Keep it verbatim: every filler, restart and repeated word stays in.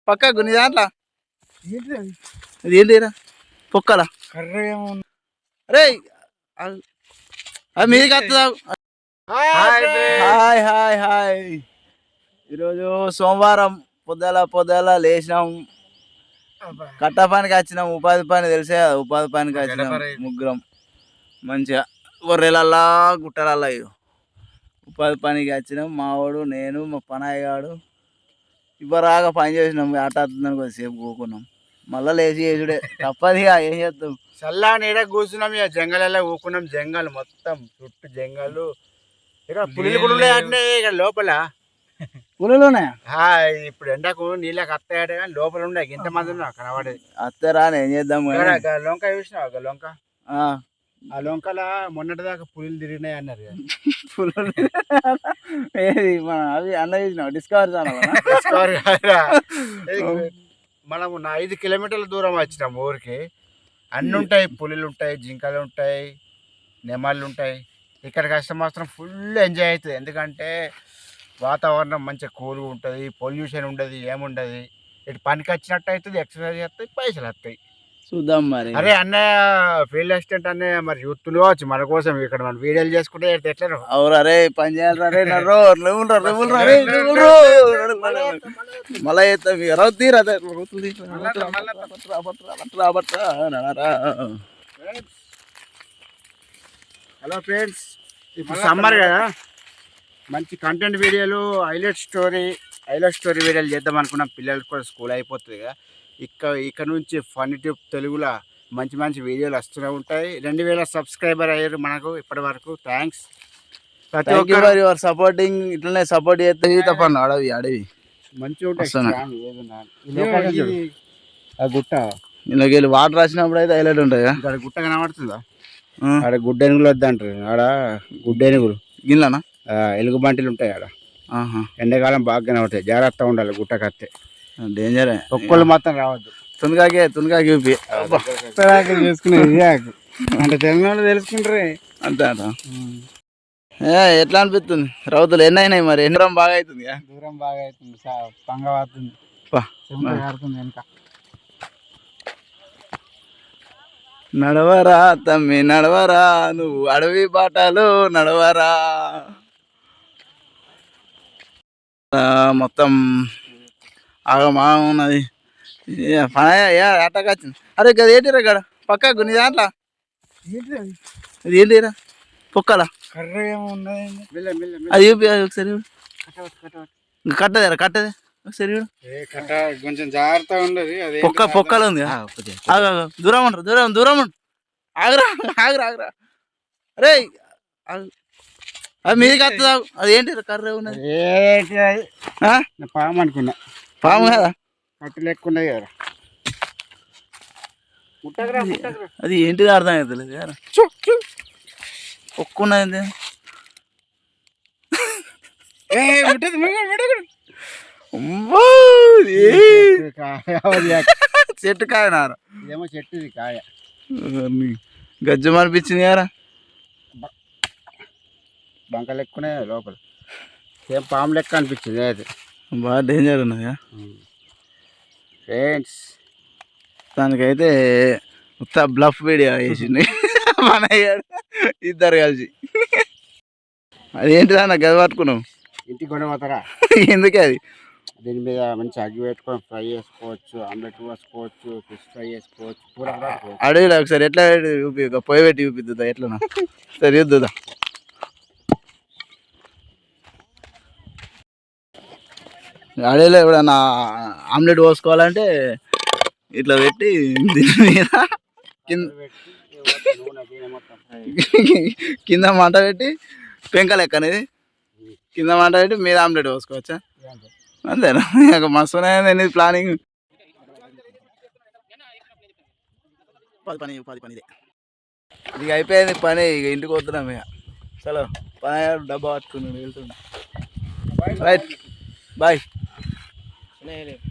పక్కకు నీ దాంట్లో ఇది ఏంటిరా పొక్కల అరే అది మీది వస్తుందా? Hi hi hi. ఈరోజు సోమవారం పొద్దుల పొద్దుల లేచినాం, కట్ట పనికి వచ్చినాం. ఉపాధి పని తెలిసే కదా, ఉపాధి పనికి వచ్చినాం ముగ్గురం. మంచిగా గొర్రెలల్లా గుట్టలల్లా ఉపాధి పనికి వచ్చినాం. మావాడు నేను మా పనాయి గాడు ఇవ్వరాగా పని చేసినాం. ఆట ఆడుతుందని కొద్దిసేపు కూకున్నాం, మళ్ళా లేచి చేసుడే తప్పదిగా. ఏం చేస్తాం, చల్లా నీడ కూర్చున్నాం. ఇక జంగలల్లో కూకున్నాం. జంగల్ మొత్తం చుట్టూ జంగలు. ఇక్కడ పులులు కూడా ఉన్నాయంటే ఇక్కడ లోపల పులులు ఉన్నాయా? ఇప్పుడు ఎండకు నీళ్ళకి అత్తాయట కానీ లోపల ఉన్నాయి. ఇంతమంది ఉన్నా కనబడేది. అత్తరా ఏం చేద్దాం. లొంక చూసినావు లొంక? ఆ లొంకల మొన్నటి దాకా పులులు తిరిగినాయి అన్నారు. పులులు ఏది అవి అన్న చూసినావు? డిస్కవర్ డిస్కవర్ మనము నా ఐదు కిలోమీటర్ల దూరం వచ్చినాం ఊరికి. అన్నీ ఉంటాయి, పులులు ఉంటాయి, జింకలు ఉంటాయి, నెమళ్ళు ఉంటాయి. ఇక్కడికి వస్తే మాత్రం ఫుల్ ఎంజాయ్ అవుతుంది. ఎందుకంటే వాతావరణం మంచిగా కూల్గా ఉంటుంది, పొల్యూషన్ ఉండదు, ఏముండదు. ఇటు పనికి వచ్చినట్టు అవుతుంది, ఎక్సర్సైజ్ చేస్తాయి, పైసలు వస్తాయి. చూద్దాం మరి. అరే అన్నయ్య ఫీల్డ్ అసిస్టెంట్ అన్నయ్య మరి యూత్లు కావచ్చు మన కోసం ఇక్కడ మనం వీడియోలు చేసుకుంటే ఎట్లా అవురు? అరే పని చేయాలి రే మళ్ళా తీరా. హలో ఫ్రెండ్స్, ఇప్పుడు సమ్మర్ కదా, మంచి కంటెంట్ వీడియోలు, హైలైట్ స్టోరీ హైలైట్ స్టోరీ వీడియోలు చేద్దాం అనుకున్నాం. పిల్లలకు కూడా స్కూల్ అయిపోతుంది కదా. ఇక్కడ ఇక్కడ నుంచి ఫన్ ట్యూబ్ తెలుగులో మంచి మంచి వీడియోలు వస్తూనే ఉంటాయి. రెండు వేల సబ్స్క్రైబర్ అయ్యారు మనకు ఇప్పటి వరకు. థ్యాంక్స్ ప్రతి ఒక్కరు యువర్ సపోర్టింగ్. ఇట్లనే సపోర్ట్ చేస్తే తప్ప అడవి అడవి మంచిగా ఉంటాయి. ఆ గుట్ట ఇందులోకి వెళ్ళి వాటర్ వచ్చినప్పుడు అయితే హైలైట్ ఉంటాయి. ఇక్కడ గుట్ట కనబడుతుందా? ఆడ గుడ్డెనుగులు వద్దంటారు. ఆడ గుడ్డెనుగులు గిన్నెనా ఎలుగు బంటిలు ఉంటాయి ఆడ. ఎండాకాలం బాగా కనబడతాయి. జాగ్రత్తగా ఉండాలి గుట్ట కత్తే, డేంజర్. ఒక్కళ్ళు మాత్రం రావద్దు. తునకాకే తునకాకి చూపి చేసుకునేది అంటే తెలంగాణ తెలుసుకుంటారే అంతే అంట. ఎట్లా అనిపిస్తుంది? రౌతులు ఎన్ని అయినాయి మరి? ఎన్ని దూరం బాగా అవుతుంది? దూరం బాగా అవుతుంది, పంగ అవుతుంది, వెనక. నడవరా తమ్మి నడవరా, నువ్వు అడవి బాటలు నడవరా. మొత్తం ఆగమా ఉన్నది. అట్టగా వచ్చింది. అరే గది ఏంటిరా గడ పక్కకు నీ దాంట్లో అది ఏంటిరా పొక్కల అది చూపి ఒకసారి. కట్టదేరా కట్టదే ఒకసారి కొంచెం జాగ్రత్తగా ఉండదు. పొక్క పొక్కలు ఉంది. దూరం ఉండరు, దూరం దూరం ఉండు. ఆగురా ఆగురా ఆగురా. అరే అది మీది వస్తుందా? అది ఏంటి కర్ర ఉన్నది? పాము అనుకున్నా. పాము కదా, కట్టు లెక్కున్నది కదా. అది ఏంటిది అర్థం అవుతలేదు కదా. ఒక్కున్నది చెట్టు కాయ నార ఏమో చెట్టుది కాయ. గజ్జం అనిపించింది కదా. బంక లెక్కునే లోపల ఏం పాము లెక్క అనిపించింది. అది బాగా డేంజర్ ఉన్నది ఫ్రెండ్స్. దానికైతే ఉత్త బ్లఫ్ వీడియో వేసింది మన ఇద్దరు కలిసి. అదేంటిదా నాకు గది పట్టుకున్నావు? ఇంటికి కొనపోతారా? ఎందుకే అది? దీని మీద మంచి అగ్గి పెట్టుకొని ఫ్రై చేసుకోవచ్చు, ఆమ్లెట్ వేసుకోవచ్చు, ఫిష్ ఫ్రై చేసుకోవచ్చు, కూర కూడా. అడవిలో ఒకసారి ఎట్లా చూపి, పొయ్యి పెట్టి చూపిద్దా ఎట్లా సరే చూద్దా. అడవిలో ఎప్పుడన్నా ఆమ్లెట్ పోసుకోవాలంటే ఇట్లా పెట్టి దీని మీద కింద కింద మంట పెట్టి పెంక లెక్క అనేది కింద మంట పెట్టి మీద ఆమ్లెట్ పోసుకోవచ్చా? అంతేనా? ఇక మస్తునే ప్లానింగ్. పది పని పది పని ఇదే ఇక అయిపోయింది పని. ఇక ఇంటికి వస్తున్నాం ఇక. చలో పని డబ్బా పట్టుకున్నాడు వెళ్తున్నా. Right bye.